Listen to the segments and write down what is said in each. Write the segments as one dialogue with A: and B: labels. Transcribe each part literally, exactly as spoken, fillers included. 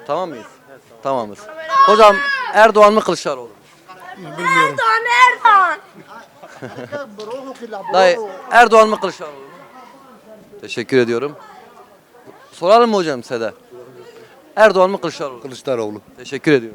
A: Tamam mıyız? Tamamız. Hocam Erdoğan mı Kılıçdaroğlu mu?
B: Bilmiyorum.
C: Erdoğan, Erdoğan.
A: Dayı Erdoğan mı Kılıçdaroğlu mu? Teşekkür ediyorum. Soralım mı hocam size de? Erdoğan mı Kılıçdaroğlu mu?
B: Kılıçdaroğlu.
A: Teşekkür ediyorum.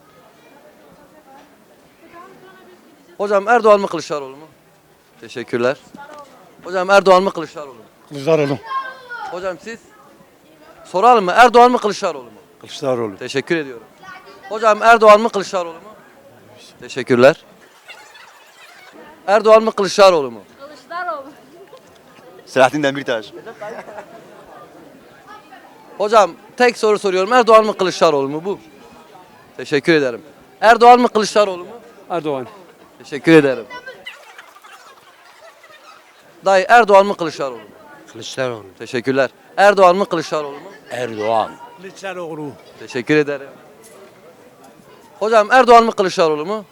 A: Hocam Erdoğan mı Kılıçdaroğlu mu? Teşekkürler. Hocam Erdoğan mı Kılıçdaroğlu mu?
B: Kılıçdaroğlu.
A: Hocam siz? Soralım mı? Erdoğan mı Kılıçdaroğlu mu?
B: Kılıçdaroğlu.
A: Teşekkür ediyorum. Hocam Erdoğan mı Kılıçdaroğlu mu? Teşekkürler. Erdoğan mı Kılıçdaroğlu mu?
C: Kılıçdaroğlu.
D: Selahattin Demirtaş.
A: Hocam tek soru soruyorum. Erdoğan mı Kılıçdaroğlu mu bu? Teşekkür ederim. Erdoğan mı Kılıçdaroğlu mu?
E: Erdoğan.
A: Teşekkür ederim. Dayı Erdoğan mı Kılıçdaroğlu mu?
E: Kılıçdaroğlu.
A: Teşekkürler. Erdoğan mı Kılıçdaroğlu mu?
E: Erdoğan. Kılıçdaroğlu.
A: Teşekkür ederim. Hocam Erdoğan mı Kılıçdaroğlu mu?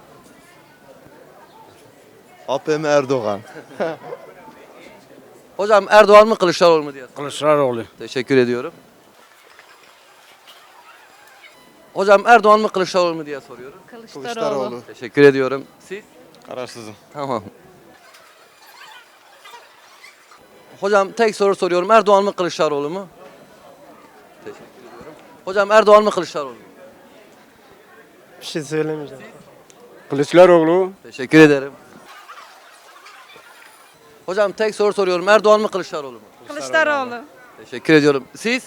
D: A P M Erdoğan.
A: Hocam Erdoğan mı Kılıçdaroğlu mu diye.
E: Kılıçdaroğlu.
A: Teşekkür ediyorum. Hocam Erdoğan mı Kılıçdaroğlu mu diye soruyorum.
C: Kılıçdaroğlu.
A: Teşekkür ediyorum. Siz?
D: Kararsızım.
A: Tamam. Hocam tek soru soruyorum. Erdoğan mı Kılıçdaroğlu mu? Teşekkür ediyorum. Hocam Erdoğan mı Kılıçdaroğlu mu?
F: Bir şey söylemeyeceğim.
E: Kılıçdaroğlu.
A: Teşekkür ederim. Hocam tek soru soruyorum. Erdoğan mı Kılıçdaroğlu mu?
C: Kılıçdaroğlu.
A: Teşekkür ediyorum. Siz?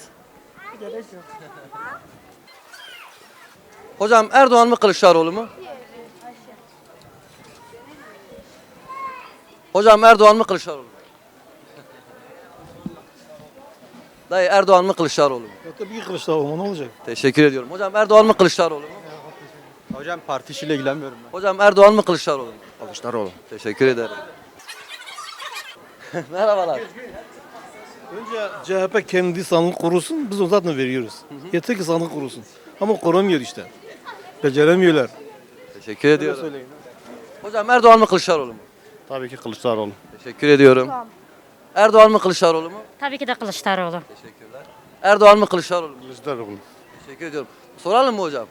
A: Hocam Erdoğan mı Kılıçdaroğlu mu? Hocam Erdoğan mı Kılıçdaroğlu mu? Dayı Erdoğan mı Kılıçdaroğlu mu?
F: Ya tabii ki Kılıçdaroğlu ne olacak?
A: Teşekkür ediyorum. Hocam Erdoğan mı Kılıçdaroğlu mu?
D: Hocam parti işiyle ilgilenmiyorum ben.
A: Hocam Erdoğan mı Kılıçdaroğlu mu?
D: Kılıçdaroğlu.
A: Teşekkür ederim. Merhabalar.
F: Önce C H P kendi sandık kurusun, biz o zaten veriyoruz. Yeter ki sandık kurusun. Ama kuramıyor işte. Beceremiyorlar.
A: Teşekkür ediyorum. Hocam Erdoğan mı Kılıçdaroğlu mu?
D: Tabii ki Kılıçdaroğlu.
A: Teşekkür ediyorum. Erdoğan mı Kılıçdaroğlu mu?
C: Tabii ki de Kılıçdaroğlu.
A: Teşekkürler. Erdoğan mı Kılıçdaroğlu mu?
D: Kılıçdaroğlu.
A: Teşekkür ediyorum. Soralım mı hocam?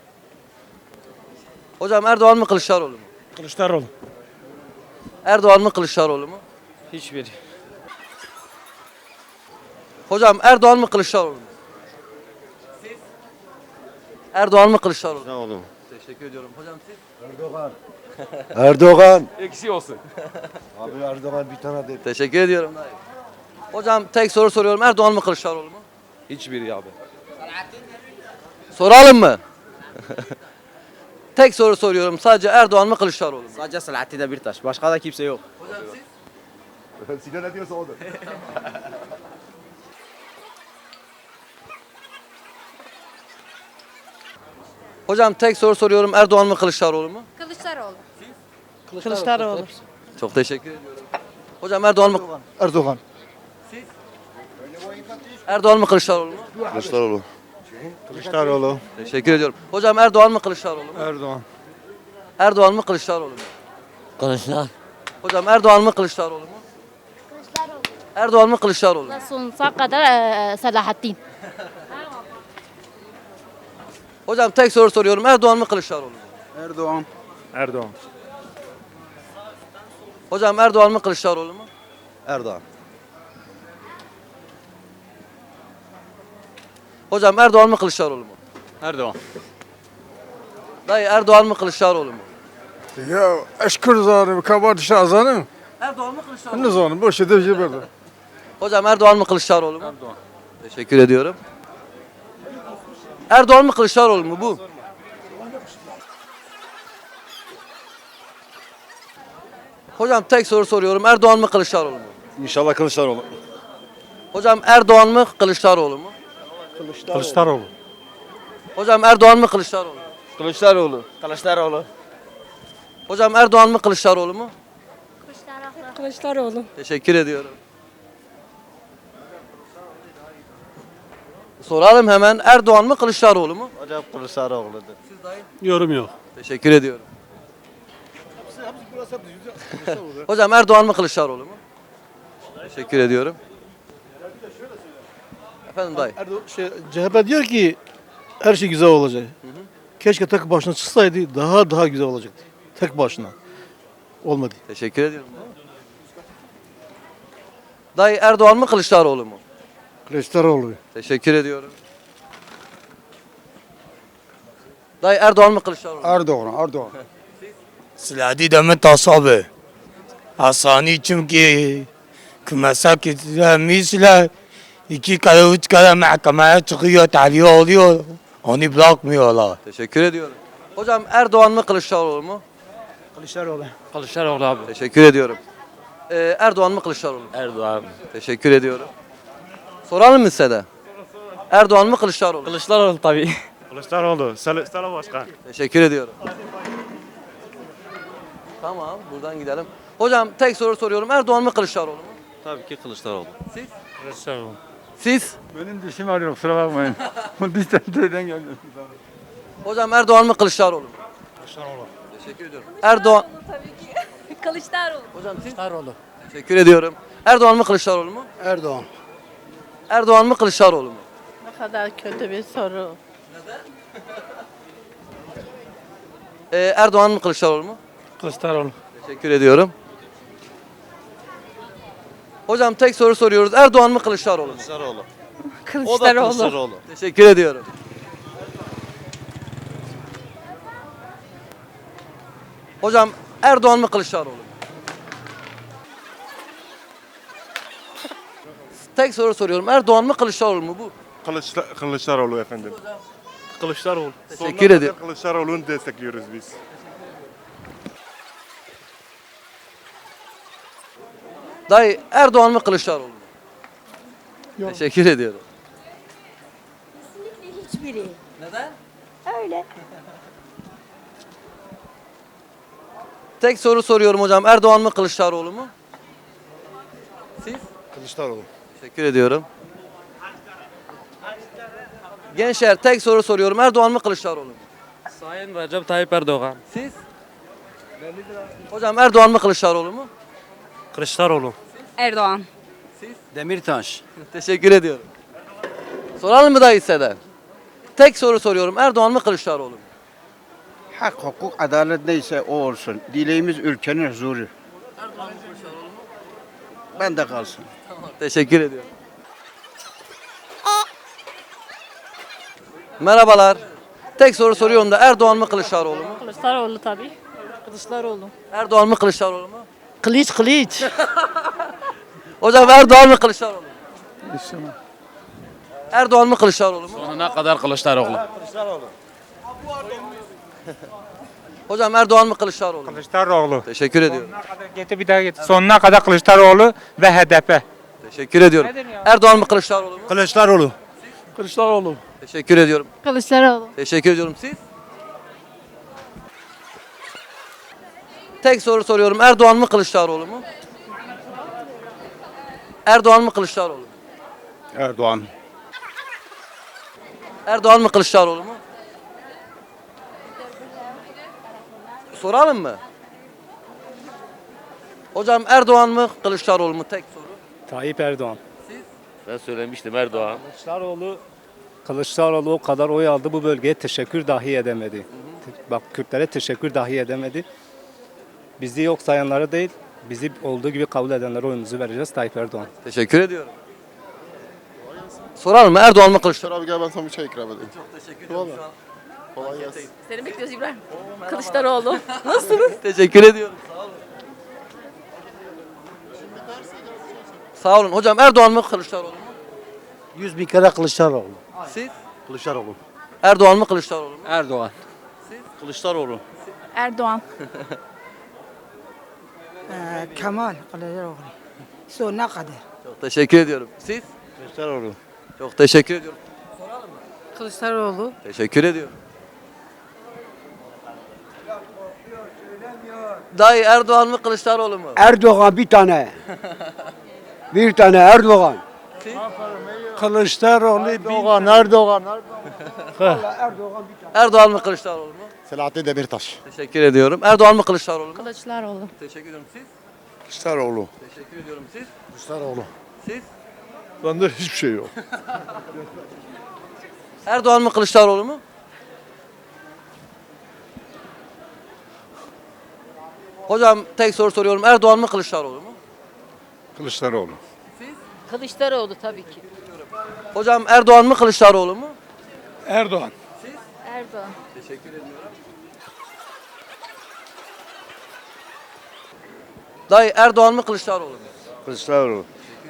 A: Hocam Erdoğan mı Kılıçdaroğlu mu?
E: Kılıçdaroğlu.
A: Erdoğan mı Kılıçdaroğlu mu?
E: Hiçbiri.
A: Hocam Erdoğan mı Kılıçdaroğlu mu? Siz? Erdoğan mı Kılıçdaroğlu mu?
D: Ne oldu?
A: Teşekkür ediyorum. Hocam siz?
B: Erdoğan.
E: Eksi olsun.
B: Abi Erdoğan bir tane de.
A: Teşekkür ediyorum dayı. Hocam tek soru soruyorum. Erdoğan mı Kılıçdaroğlu mu?
E: Hiçbiri abi.
A: Soralım mı? Tek soru soruyorum. Sadece Erdoğan mı Kılıçdaroğlu mu?
E: Sadece Selahattin Demirtaş. Başka da kimse yok.
A: Hocam siz?
B: Sinan ne diyorsa odur.
A: Hocam tek soru soruyorum. Erdoğan mı Kılıçdaroğlu mu?
C: Kılıçdaroğlu.
F: Kılıçdaroğlu.
A: Çok teşekkür ediyorum. Hocam Erdoğan mı?
B: Erdoğan.
A: Erdoğan mı Kılıçdaroğlu mu?
D: Kılıçdaroğlu. Kılıçdaroğlu.
A: Teşekkür ediyorum. Hocam Erdoğan mı Kılıçdaroğlu mu?
E: Erdoğan.
A: Erdoğan mı Kılıçdaroğlu mu?
E: Kılıçdaroğlu.
A: Hocam Erdoğan mı Kılıçdaroğlu mu? Erdoğan mı Kılıçdaroğlu mu?
C: Sonsuza kadar eee, Selahattin.
A: Hocam tek soru soruyorum. Erdoğan mı Kılıçdaroğlu mu?
E: Erdoğan. Erdoğan.
A: Hocam Erdoğan mı Kılıçdaroğlu mu?
D: Erdoğan.
A: Hocam Erdoğan mı Kılıçdaroğlu mu?
E: Erdoğan.
A: Dayı Erdoğan mı Kılıçdaroğlu mu?
F: Ya eşkır zanım, kabar şahzanım.
A: Erdoğan mı Kılıçdaroğlu
F: Ne
A: mu?
F: zanım, boş edip şey böyle.
A: Hocam Erdoğan mı Kılıçdaroğlu mu?
E: Erdoğan.
A: Teşekkür ediyorum. Erdoğan mı Kılıçdaroğlu mu bu? Hocam tek soru soruyorum. Erdoğan mı Kılıçdaroğlu mu?
D: İnşallah Kılıçdaroğlu.
A: Hocam Erdoğan mı Kılıçdaroğlu mu?
F: Kılıçdaroğlu.
A: Hocam Erdoğan mı Kılıçdaroğlu mu?
D: Kılıçdaroğlu. Kılıçdaroğlu.
A: Hocam Erdoğan mı Kılıçdaroğlu mu?
C: Kılıçdaroğlu.
A: Teşekkür ediyorum. Soralım hemen. Erdoğan mı Kılıçdaroğlu mu?
D: Hocam Kılıçdaroğlu'dur.
F: Yorum yok.
A: Teşekkür ediyorum. Hocam Erdoğan mı Kılıçdaroğlu mu? Teşekkür ediyorum. Efendim dayı.
F: Erdoğan, şey, C H P diyor ki her şey güzel olacak. Keşke tek başına çıksaydı daha daha güzel olacaktı. Tek başına. Olmadı.
A: Teşekkür ediyorum. Dayı Erdoğan mı Kılıçdaroğlu mu?
B: Kılıçdaroğlu.
A: Teşekkür ediyorum. Dayı Erdoğan mı Kılıçdaroğlu mu?
B: Erdoğan, Erdoğan.
G: Silahı demet tasabe. Hasani çünkü kümese misle iki kere üç kere mahkemeye çıkıyor, tahliye oluyor. Onu bırakmıyorlar.
A: Teşekkür ediyorum. Hocam Erdoğan mı Kılıçdaroğlu mu?
E: Kılıçdaroğlu. Kılıçdaroğlu abi.
A: Teşekkür ediyorum. Ee, Erdoğan mı Kılıçdaroğlu mu?
E: Erdoğan.
A: Teşekkür ediyorum. Soralım mı size de? Erdoğan mı Kılıçdaroğlu mu?
E: Kılıçdaroğlu tabii.
H: Kılıçdaroğlu, Sel Selam Başkan.
A: Teşekkür ediyorum. Tamam, buradan gidelim. Hocam tek soru soruyorum. Erdoğan mı Kılıçdaroğlu mu?
D: Tabii ki Kılıçdaroğlu.
A: Siz?
H: Kılıçdaroğlu.
A: Siz?
H: Benim dişim ağrıyor, kusura bakmayın. Bu dişten teyden geldim.
A: Hocam Erdoğan mı Kılıçdaroğlu mu?
H: Kılıçdaroğlu.
A: Teşekkür ediyorum. Erdoğan.
C: Kılıçdaroğlu.
A: Hocam siz? Kılıçdaroğlu. Teşekkür ediyorum. Erdoğan mı Kılıçdaroğlu mu?
B: Erdoğan.
A: Erdoğan mı Kılıçdaroğlu mu?
C: Ne kadar kötü bir soru.
A: Ee, Erdoğan mı Kılıçdaroğlu mu?
H: Kılıçdaroğlu.
A: Teşekkür ediyorum. Hocam tek soru soruyoruz. Erdoğan mı Kılıçdaroğlu mu?
D: Kılıçdaroğlu. O da
C: Kılıçdaroğlu.
D: Kılıçdaroğlu.
A: Teşekkür ediyorum. Hocam Erdoğan mı Kılıçdaroğlu mu? Tek soru soruyorum. Erdoğan mı Kılıçdaroğlu mu bu?
H: Kılıçda Kılıçdaroğlu efendim.
E: Kılıçdaroğlu.
A: Teşekkür ediyorum.
H: Kılıçdaroğlu'nu destekliyoruz biz.
A: Dayı Erdoğan mı Kılıçdaroğlu mu? Teşekkür ediyorum.
C: Hiçbiri.
A: Neden?
C: Öyle.
A: Tek soru soruyorum hocam. Erdoğan mı Kılıçdaroğlu mu? Siz?
B: Kılıçdaroğlu.
A: Teşekkür ediyorum. Gençler tek soru soruyorum. Erdoğan mı Kılıçdaroğlu mu?
E: Sayın Recep Tayyip Erdoğan.
A: Siz? Hocam Erdoğan mı Kılıçdaroğlu mu?
E: Kılıçdaroğlu.
C: Erdoğan.
E: Demirtaş.
A: Teşekkür ediyorum. Soralım mı dayı size de? Tek soru soruyorum. Erdoğan mı Kılıçdaroğlu mu?
I: Hak, hukuk, adalet neyse o olsun. Dileğimiz ülkenin huzuru. Ben de kalsın.
A: Teşekkür ediyorum. Merhabalar. Tek soru soruyorum da Erdoğan mı Kılıçdaroğlu mu?
C: Kılıçdaroğlu tabii. Kılıçdaroğlu.
A: Erdoğan mı Kılıçdaroğlu mu?
E: Kılıç kılıç.
A: Hocam Erdoğan mı Kılıçdaroğlu mu? Erdoğan mı Kılıçdaroğlu mu?
E: Sonuna kadar Kılıçdaroğlu.
A: Hocam Erdoğan mı Kılıçdaroğlu mu?
H: Kılıçdaroğlu.
A: Teşekkür ediyorum.
H: Getir bir daha getir. Sonuna kadar Kılıçdaroğlu ve H D P.
A: Teşekkür ediyorum. Erdoğan mı Kılıçdaroğlu mu?
F: Kılıçdaroğlu. Kılıçdaroğlu.
A: Teşekkür ediyorum.
C: Kılıçdaroğlu.
A: Teşekkür ediyorum. Siz? Tek soru soruyorum. Erdoğan mı Kılıçdaroğlu mu? Erdoğan mı Kılıçdaroğlu mu?
I: Erdoğan.
A: Erdoğan mı Kılıçdaroğlu mu? Soralım mı? Hocam Erdoğan mı Kılıçdaroğlu mu? Tek soru.
E: Tayyip Erdoğan.
D: Ben söylemiştim Erdoğan.
E: Kılıçdaroğlu Kılıçdaroğlu o kadar oy aldı bu bölgeye teşekkür dahi edemedi. Bak Kürtlere teşekkür dahi edemedi. Bizi yok sayanlara değil, bizi olduğu gibi kabul edenlere oyumuzu vereceğiz Tayyip Erdoğan.
A: Teşekkür ediyorum. Soralım mı? Erdoğan mı Kılıçdaroğlu mu?
B: Abi gel ben sana bir çay ikram edeyim.
A: Çok teşekkür ediyorum. Şu an
B: Kolay gelsin.
C: Seni bekliyoruz İbrahim. Kılıçdaroğlu. Nasılsınız?
A: teşekkür ediyorum. Sağ olun. Sağ olun. Hocam Erdoğan mı Kılıçdaroğlu mu?
B: Yüz bin kere Kılıçdaroğlu.
A: Siz?
B: Kılıçdaroğlu.
A: Erdoğan mı Kılıçdaroğlu mu?
E: Erdoğan.
D: Kılıçdaroğlu.
C: Erdoğan.
J: Kemal Kılıçdaroğlu. Sonuna kadar.
A: Çok teşekkür ediyorum. Siz?
I: Kılıçdaroğlu.
A: Çok teşekkür ediyorum.
C: Kılıçdaroğlu.
A: Teşekkür ediyorum. Dayı Erdoğan mı Kılıçdaroğlu mu?
B: Erdoğan bir tane. bir tane Erdoğan.
F: Kılıçdaroğlu.
B: Erdoğan, Erdoğan,
A: Erdoğan mı Kılıçdaroğlu mu?
B: Selahattin Demirtaş.
A: Teşekkür ediyorum. Erdoğan mı Kılıçdaroğlu mu?
C: Kılıçdaroğlu.
A: Teşekkür ediyorum. Siz?
B: Kılıçdaroğlu.
A: Teşekkür ediyorum. Siz?
B: Kılıçdaroğlu.
A: Siz?
F: Bende hiçbir şey yok.
A: Erdoğan mı Kılıçdaroğlu mu? Hocam tek soru soruyorum. Erdoğan mı Kılıçdaroğlu mu?
B: Kılıçdaroğlu.
C: Kılıçdaroğlu tabii ki.
A: Hocam Erdoğan mı Kılıçdaroğlu mu?
B: Erdoğan.
C: Erdoğan.
A: Teşekkür ediyorum. Dayı Erdoğan mı Kılıçdaroğlu mu?
B: Kılıçdaroğlu.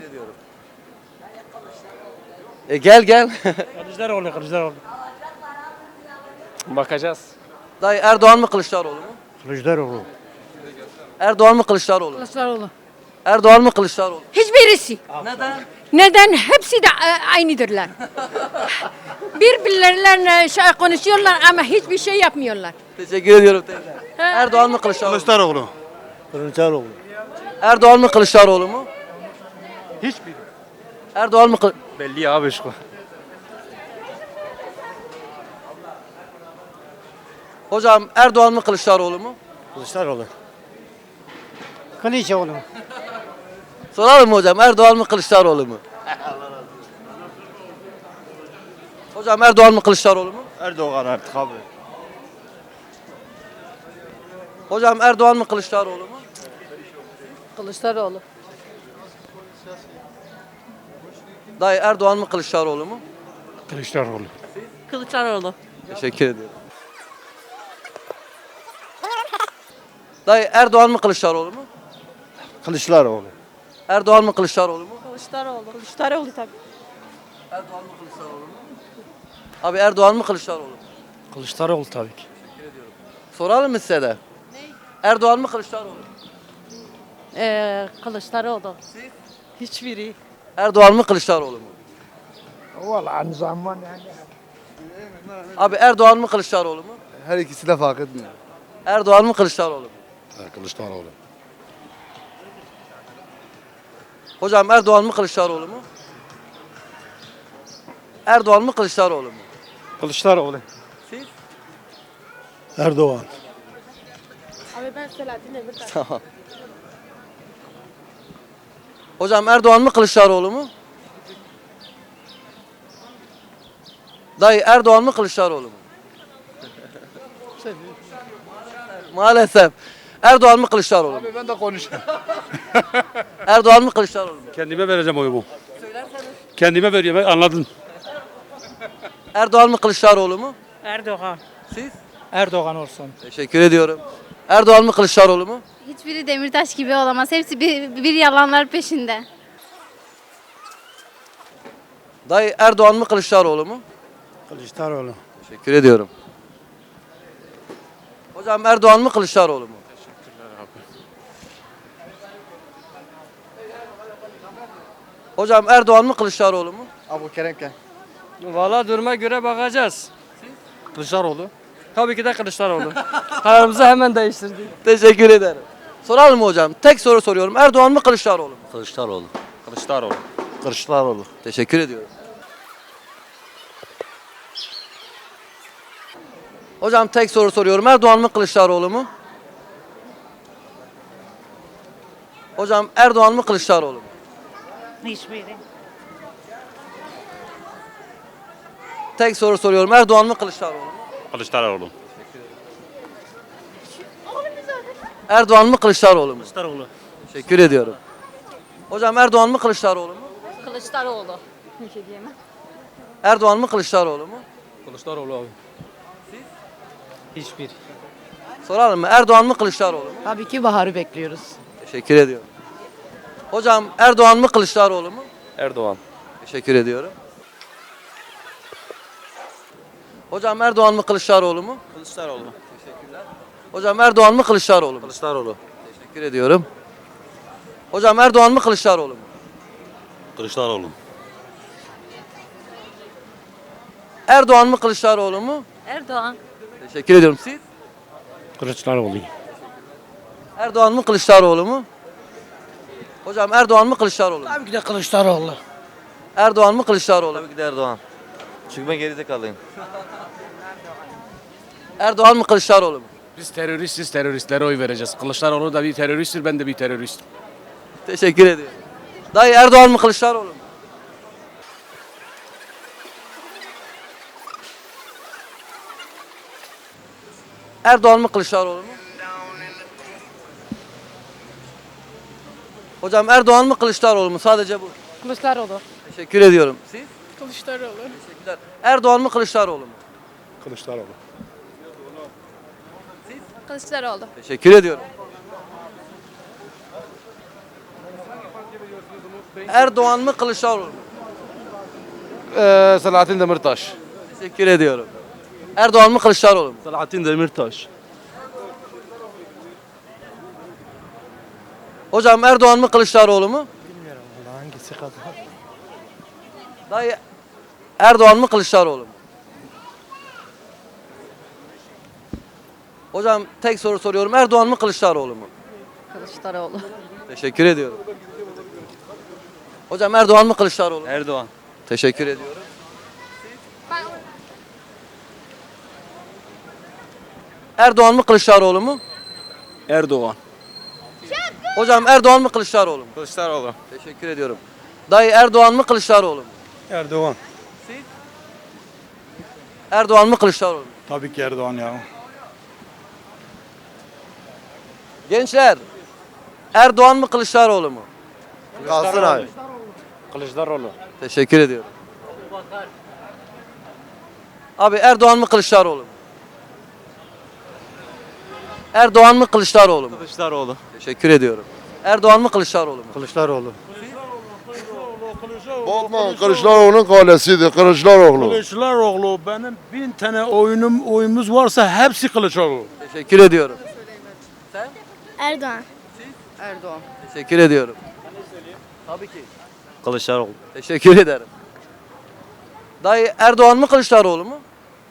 A: E gel gel.
H: Kılıçdaroğlu, Kılıçdaroğlu. Bakacağız.
A: Dayı Erdoğan mı Kılıçdaroğlu mu?
B: Kılıçdaroğlu.
A: Erdoğan mı Kılıçdaroğlu mu?
C: Kılıçdaroğlu.
A: Erdoğan mı Kılıçdaroğlu mu?
C: Hiçbirisi.
A: Neden?
C: Neden? Hepsi de e, aynıdırlar. Birbirleriyle şey konuşuyorlar ama hiçbir şey yapmıyorlar.
A: Teşekkür ediyorum teyze. Erdoğan mı Kılıçdaroğlu mu?
B: Kılıçdaroğlu. Kılıçdaroğlu.
A: Erdoğan mı Kılıçdaroğlu mu?
B: Hiçbir.
A: Erdoğan mı Kılıçdaroğlu?
B: Belli abi şu.
A: Hocam Erdoğan mı Kılıçdaroğlu mu?
B: Kılıçdaroğlu. Kılıçdaroğlu.
A: Soralım mı hocam Erdoğan mı Kılıçdaroğlu mu? Hocam Erdoğan mı Kılıçdaroğlu mu?
B: Erdoğan artık abi.
A: Hocam Erdoğan mı Kılıçdaroğlu mu?
C: Kılıçdaroğlu.
A: Dayı Erdoğan mı Kılıçdaroğlu mu?
B: Kılıçdaroğlu.
C: Kılıçdaroğlu.
A: Teşekkür ediyorum. Dayı Erdoğan mı Kılıçdaroğlu mu?
B: Kılıçdaroğlu.
A: Erdoğan mı Kılıçdaroğlu mu?
C: Kılıçdaroğlu. Kılıçdaroğlu tabii.
A: Erdoğan mı Kılıçdaroğlu mu? Abi Erdoğan mı Kılıçdaroğlu mu?
B: Kılıçdaroğlu tabii ki.
A: Soralım mı size de? Erdoğan mı Kılıçdaroğlu mu?
C: Ee, Kılıçdaroğlu. Hiçbiri.
A: Erdoğan mı Kılıçdaroğlu mu?
B: Vallahi zaman yani.
A: Abi Erdoğan mı Kılıçdaroğlu mu?
B: Her ikisi de fark etmiyor.
A: Erdoğan mı Kılıçdaroğlu mu?
B: Kılıçdaroğlu.
A: Hocam Erdoğan mı Kılıçdaroğlu mu? Erdoğan mı Kılıçdaroğlu mu?
B: Kılıçdaroğlu.
A: Siz?
B: Erdoğan.
C: Abi ben Selahattin Demirtaş.
A: Tamam. Hocam Erdoğan mı Kılıçdaroğlu mu? Dayı Erdoğan mı Kılıçdaroğlu mu? Maalesef. Erdoğan mı Kılıçdaroğlu mu?
B: Ben de konuşayım.
A: Erdoğan mı Kılıçdaroğlu mu?
B: Kendime vereceğim oyumu. Kendime veriyorum anladın.
A: Erdoğan mı Kılıçdaroğlu mu?
H: Erdoğan.
A: Siz?
H: Erdoğan olsun.
A: Teşekkür ediyorum. Erdoğan mı Kılıçdaroğlu mu?
C: Hiçbiri Demirtaş gibi olamaz. Hepsi bir, bir yalanlar peşinde.
A: Dayı Erdoğan mı Kılıçdaroğlu mu?
B: Kılıçdaroğlu.
A: Teşekkür ediyorum. Hocam Erdoğan mı Kılıçdaroğlu mu? Hocam Erdoğan mı Kılıçdaroğlu mu?
B: Abu Keremken.
H: Valla duruma göre bakacağız. Kılıçdaroğlu. Tabii ki de Kılıçdaroğlu. Kararımızı hemen değiştirdik.
A: Teşekkür ederim. Soralım mı hocam? Tek soru soruyorum. Erdoğan mı Kılıçdaroğlu mu?
D: Kılıçdaroğlu.
H: Kılıçdaroğlu.
B: Kılıçdaroğlu.
A: Teşekkür ediyorum. Hocam tek soru soruyorum. Erdoğan mı Kılıçdaroğlu mu? Hocam Erdoğan mı Kılıçdaroğlu mu?
C: Hiçbiri.
A: Tek soru soruyorum. Erdoğan mı Kılıçdaroğlu mu?
D: Kılıçdaroğlu.
A: Erdoğan mı Kılıçdaroğlu mu?
H: Kılıçdaroğlu.
A: Teşekkür ediyorum. Hocam Erdoğan mı Kılıçdaroğlu mu?
C: Kılıçdaroğlu. Bir şey diyemem.
A: Erdoğan mı Kılıçdaroğlu mu?
H: Kılıçdaroğlu abi. Hiçbir.
A: Soralım mı? Erdoğan mı Kılıçdaroğlu mu?
J: Tabii ki Bahar'ı bekliyoruz.
A: Teşekkür ediyorum. Hocam Erdoğan mı Kılıçdaroğlu mu?
D: Erdoğan.
A: Teşekkür ediyorum. Hocam Erdoğan mı Kılıçdaroğlu mu?
D: Kılıçdaroğlu.
A: Hocam Erdoğan mı Kılıçdaroğlu mu?
D: Kılıçdaroğlu.
A: Teşekkür ediyorum. Hocam Erdoğan mı Kılıçdaroğlu mu?
D: Kılıçdaroğlu.
A: Erdoğan mı Kılıçdaroğlu mu?
C: Erdoğan.
A: Teşekkür ediyorum. Siz?
B: Kılıçdaroğlu.
A: Erdoğan mı Kılıçdaroğlu mu? Hocam Erdoğan mı Kılıçdaroğlu mu?
J: Tabii ki de Kılıçdaroğlu.
A: Erdoğan mı Kılıçdaroğlu mu?
D: Tabii ki de Erdoğan. Çünkü ben geride kalayım.
A: Erdoğan mı Kılıçdaroğlu mu?
F: Biz teröristiz, teröristlere oy vereceğiz. Kılıçdaroğlu da bir teröristtir, ben de bir teröristim.
A: Teşekkür ediyorum. Dayı Erdoğan mı Kılıçdaroğlu mu? Erdoğan mı Kılıçdaroğlu mu? Hocam Erdoğan mı Kılıçdaroğlu mu? Sadece bu.
J: Kılıçdaroğlu.
A: Teşekkür ediyorum. Siz?
J: Kılıçdaroğlu.
A: Teşekkürler. Erdoğan mı Kılıçdaroğlu mu?
F: Kılıçdaroğlu.
C: Kılıçdaroğlu.
A: Teşekkür ediyorum. Erdoğan mı Kılıçdaroğlu mu?
F: Ee, Selahattin Demirtaş.
A: Teşekkür ediyorum. Erdoğan mı Kılıçdaroğlu mu?
F: Selahattin Demirtaş.
A: Hocam Erdoğan mı Kılıçdaroğlu mu?
F: Bilmiyorum valla hangisi kadar.
A: Dayı Erdoğan mı Kılıçdaroğlu mu? Hocam tek soru soruyorum. Erdoğan mı Kılıçdaroğlu mu?
J: Kılıçdaroğlu.
A: Teşekkür ediyorum. Hocam Erdoğan mı Kılıçdaroğlu mu?
D: Erdoğan.
A: Teşekkür ediyorum. Erdoğan mı Kılıçdaroğlu mu?
F: Erdoğan.
A: Hocam Erdoğan mı Kılıçdaroğlu mu?
D: Kılıçdaroğlu.
A: Teşekkür ediyorum. Dayı Erdoğan mı Kılıçdaroğlu mu?
F: Erdoğan.
A: Erdoğan mı Kılıçdaroğlu mu?
F: Tabii ki Erdoğan ya.
A: Gençler Erdoğan mı Kılıçdaroğlu mu?
F: Kalsın abi.
E: Kılıçdaroğlu.
A: Teşekkür ediyorum. Abi Erdoğan mı Kılıçdaroğlu mu? Erdoğan mı Kılıçdaroğlu mu?
D: Kılıçdaroğlu.
A: Teşekkür ediyorum. Erdoğan mı Kılıçdaroğlu mu?
F: Kılıçdaroğlu.
B: Bakma Kılıçdaroğlu'nun kalesidir Kılıçdaroğlu.
F: Kılıçdaroğlu benim bin tane oyunum oyumuz varsa hepsi Kılıçdaroğlu.
A: Teşekkür ediyorum.
C: Erdoğan.
J: Erdoğan.
A: Teşekkür ediyorum. Tabii ki.
D: Kılıçdaroğlu.
A: Teşekkür ederim. Dayı Erdoğan mı Kılıçdaroğlu mu?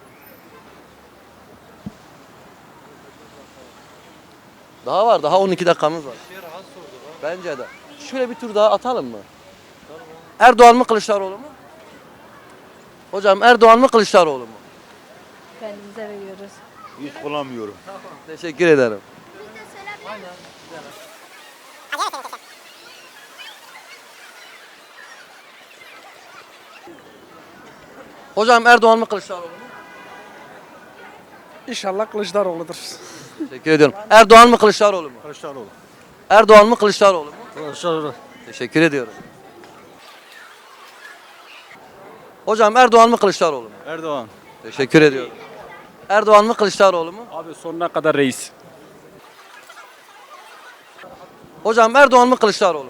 A: Daha var. Daha on iki dakikamız var. Bence de. Şöyle bir tur daha atalım mı? Erdoğan mı Kılıçdaroğlu mu? Hocam Erdoğan mı Kılıçdaroğlu mu?
C: Kendimize veriyoruz.
D: Hiç kullanmıyorum.
A: Teşekkür ederim. Hocam Erdoğan mı Kılıçdaroğlu mu?
F: İnşallah Kılıçdaroğlu'dur.
A: Teşekkür ediyorum. Erdoğan mı Kılıçdaroğlu mu?
F: Kılıçdaroğlu.
A: Erdoğan mı Kılıçdaroğlu mu?
F: Kılıçdaroğlu.
A: Teşekkür ediyorum. Hocam Erdoğan mı Kılıçdaroğlu mu?
D: Erdoğan.
A: Teşekkür ediyorum. Erdoğan mı Kılıçdaroğlu mu?
E: Abi sonuna kadar reis.
A: Hocam Erdoğan mı Kılıçdaroğlu mu?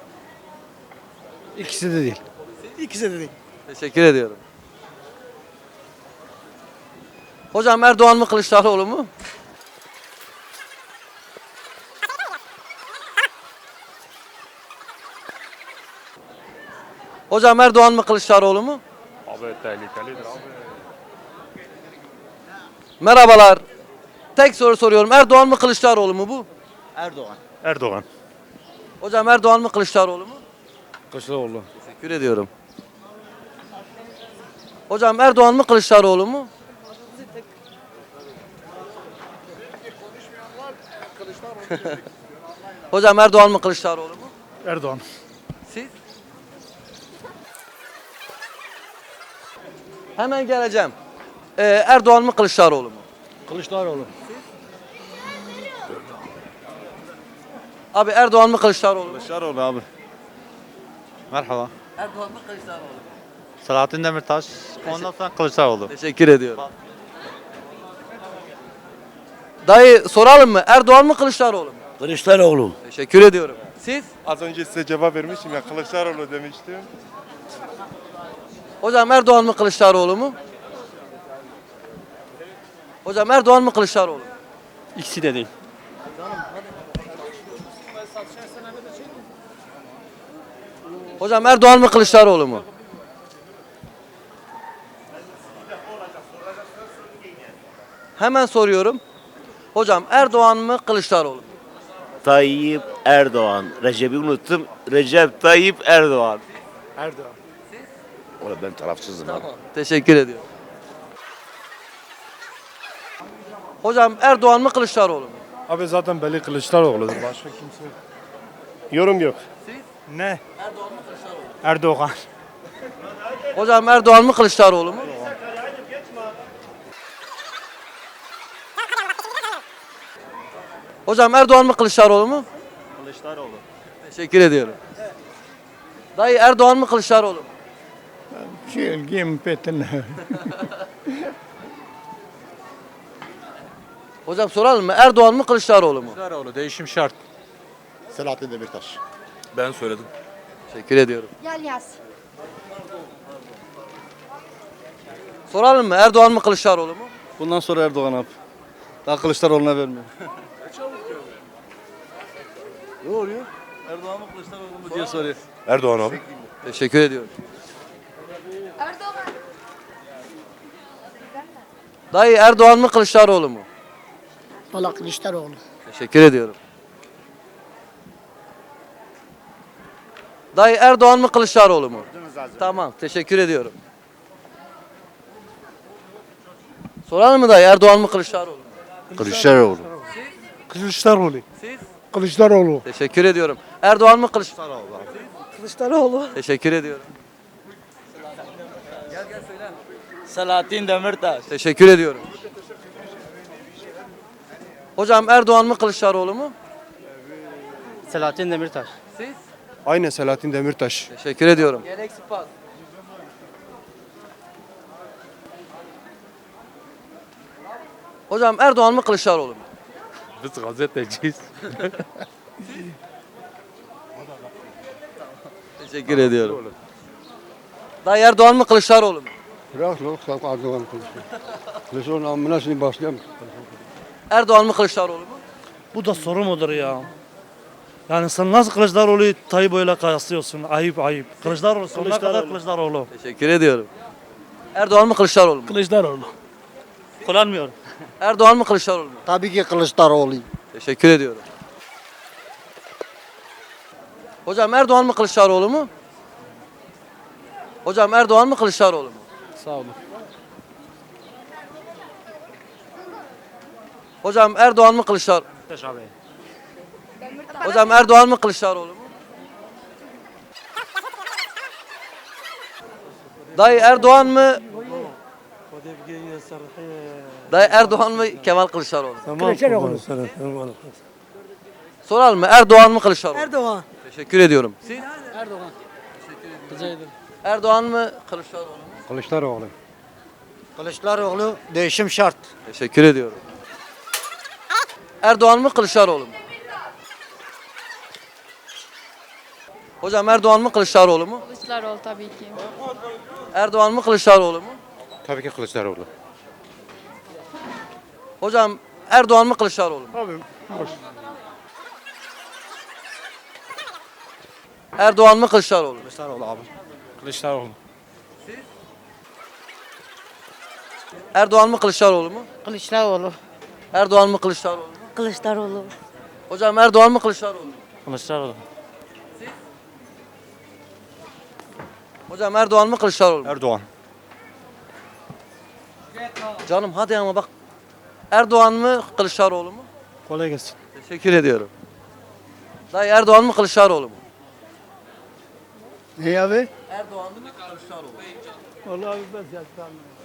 F: İkisi de değil. İkisi de değil.
A: Teşekkür ediyorum. Hocam Erdoğan mı Kılıçdaroğlu mu? Hocam Erdoğan mı Kılıçdaroğlu mu?
E: Abi tehlikelidir abi.
A: Merhabalar. Tek soru soruyorum. Erdoğan mı Kılıçdaroğlu mu bu?
D: Erdoğan.
E: Erdoğan.
A: Hocam Erdoğan mı Kılıçdaroğlu mu?
F: Kılıçdaroğlu.
A: Teşekkür ediyorum. Hocam Erdoğan mı Kılıçdaroğlu mu? Hocam Erdoğan mı Kılıçdaroğlu mu?
F: Erdoğan.
A: Siz? Hemen geleceğim. Ee, Erdoğan mı Kılıçdaroğlu mu?
F: Kılıçdaroğlu.
A: Abi Erdoğan mı Kılıçdaroğlu mu?
D: Kılıçdaroğlu abi. Merhaba.
A: Erdoğan mı Kılıçdaroğlu mu?
D: Selahattin Demirtaş. Ondan sonra Kılıçdaroğlu.
A: Teşekkür ediyorum. Dayı soralım mı? Erdoğan mı Kılıçdaroğlu mu?
B: Kılıçdaroğlu.
A: Teşekkür ediyorum. Siz?
F: Az önce size cevap vermiştim ya Kılıçdaroğlu demiştim.
A: Hocam Erdoğan mı Kılıçdaroğlu mu? Hocam Erdoğan mı Kılıçdaroğlu mu?
F: İkisi de değil.
A: Hocam Erdoğan mı Kılıçdaroğlu mu? Hemen soruyorum. Hocam Erdoğan mı Kılıçdaroğlu mu?
B: Tayyip Erdoğan. Recep'i unuttum. Recep Tayyip Erdoğan.
F: Erdoğan.
B: Oğlum ben tarafsızım abi.
A: Teşekkür ediyorum. Hocam Erdoğan mı Kılıçdaroğlu mu?
F: Abi zaten belli Kılıçdaroğlu'dur. Başka kimse yok. Yorum yok. Ne?
A: Erdoğan mı Kılıçdaroğlu mu?
F: Erdoğan.
A: Hocam Erdoğan mı Kılıçdaroğlu mu? Hocam Erdoğan mı Kılıçdaroğlu mu?
D: Kılıçdaroğlu.
A: Teşekkür ediyorum. Dayı Erdoğan mı Kılıçdaroğlu mu?
G: Çelgim petine.
A: Hocam soralım mı? Erdoğan mı Kılıçdaroğlu mu?
D: Kılıçdaroğlu değişim şart.
K: Selahattin Demirtaş.
D: Ben söyledim.
A: Teşekkür ediyorum.
C: Gel yaz.
A: Soralım mı? Erdoğan mı Kılıçdaroğlu mu?
F: Bundan sonra Erdoğan abi. Daha Kılıçdaroğlu'na vermiyor.
A: Ne oluyor?
F: Erdoğan mı Kılıçdaroğlu mu diye soruyor.
K: Erdoğan abi.
A: Teşekkür ediyorum. Dayı Erdoğan mı Kılıçdaroğlu mu?
J: Valla Kılıçdaroğlu.
A: Teşekkür ediyorum. Dayı Erdoğan mı Kılıçdaroğlu mu? Tamam, teşekkür ediyorum. Soralım mı dayı Erdoğan mı Kılıçdaroğlu mu?
B: Kılıçdaroğlu.
F: Kılıçdaroğlu.
A: Siz?
F: Kılıçdaroğlu.
A: Teşekkür ediyorum. Erdoğan mı Kılıçdaroğlu?
F: Kılıçdaroğlu.
A: Teşekkür ediyorum.
H: Selahattin Demirtaş.
A: Teşekkür ediyorum. Hocam Erdoğan mı Kılıçdaroğlu mu?
H: Selahattin Demirtaş.
A: Siz?
B: Aynen Selahattin Demirtaş.
A: Teşekkür ediyorum. Hocam Erdoğan mı Kılıçdaroğlu mu?
D: Biz gazeteciyiz.
A: Teşekkür ediyorum. Dayı Erdoğan mı Kılıçdaroğlu mu?
B: Bırak lan sen Erdoğan konuşuyor. Kılıçdaroğlu amına şimdi başlayalım.
A: Erdoğan mı Kılıçdaroğlu mu?
F: Bu da soru mudur ya? Yani sen nasıl Kılıçdaroğlu'yu Tayyip öyle kıyaslıyorsun? Ayıp ayıp. Kılıçdaroğlu sonuna kadar Kılıçdaroğlu.
A: Teşekkür ediyorum. Erdoğan mı Kılıçdaroğlu mu?
F: Kılıçdaroğlu. Kullanmıyorum.
A: Erdoğan mı Kılıçdaroğlu mu?
B: Tabii ki Kılıçdaroğlu.
A: Teşekkür ediyorum. Hocam Erdoğan mı Kılıçdaroğlu mu? Hocam Erdoğan mı Kılıçdaroğlu mu?
F: Sağ olun.
A: Hocam Erdoğan mı Kılıçdaroğlu?
F: Teşekkür
A: Hocam Erdoğan mı Kılıçdaroğlu mu? Dayı Erdoğan mı? Dayı Erdoğan mı Kemal Kılıçdaroğlu mu?
F: Kılıçdaroğlu.
A: Soralım mı? Erdoğan mı Kılıçdaroğlu mu?
J: Erdoğan.
A: Teşekkür ediyorum. Siz?
J: Erdoğan.
A: Erdoğan mı Kılıçdaroğlu mu?
B: Kılıçdaroğlu.
K: Kılıçdaroğlu değişim şart.
A: Teşekkür ediyorum. Erdoğan mı Kılıçdaroğlu mu? Hocam Erdoğan mı Kılıçdaroğlu mu?
C: Kılıçdaroğlu tabii ki.
A: Erdoğan mı Kılıçdaroğlu mu?
B: Tabii ki Kılıçdaroğlu.
A: Hocam Erdoğan mı Kılıçdaroğlu mu?
B: Abi
A: Erdoğan mı Kılıçdaroğlu mu?
F: Kılıçdaroğlu abi. Kılıçdaroğlu.
A: Erdoğan mı Kılıçdaroğlu mu?
J: Kılıçdaroğlu.
A: Erdoğan mı Kılıçdaroğlu mu?
J: Kılıçdaroğlu.
A: Hocam Erdoğan mı Kılıçdaroğlu mu?
F: Kılıçdaroğlu.
A: Hocam Erdoğan mı Kılıçdaroğlu mu?
D: Erdoğan.
A: Canım hadi ama bak. Erdoğan mı Kılıçdaroğlu mu?
F: Kolay gelsin.
A: Teşekkür ediyorum. Dayı Erdoğan mı Kılıçdaroğlu mu?
B: ne abi?
A: Erdoğan mı Kılıçdaroğlu mu?
F: Vallahi ben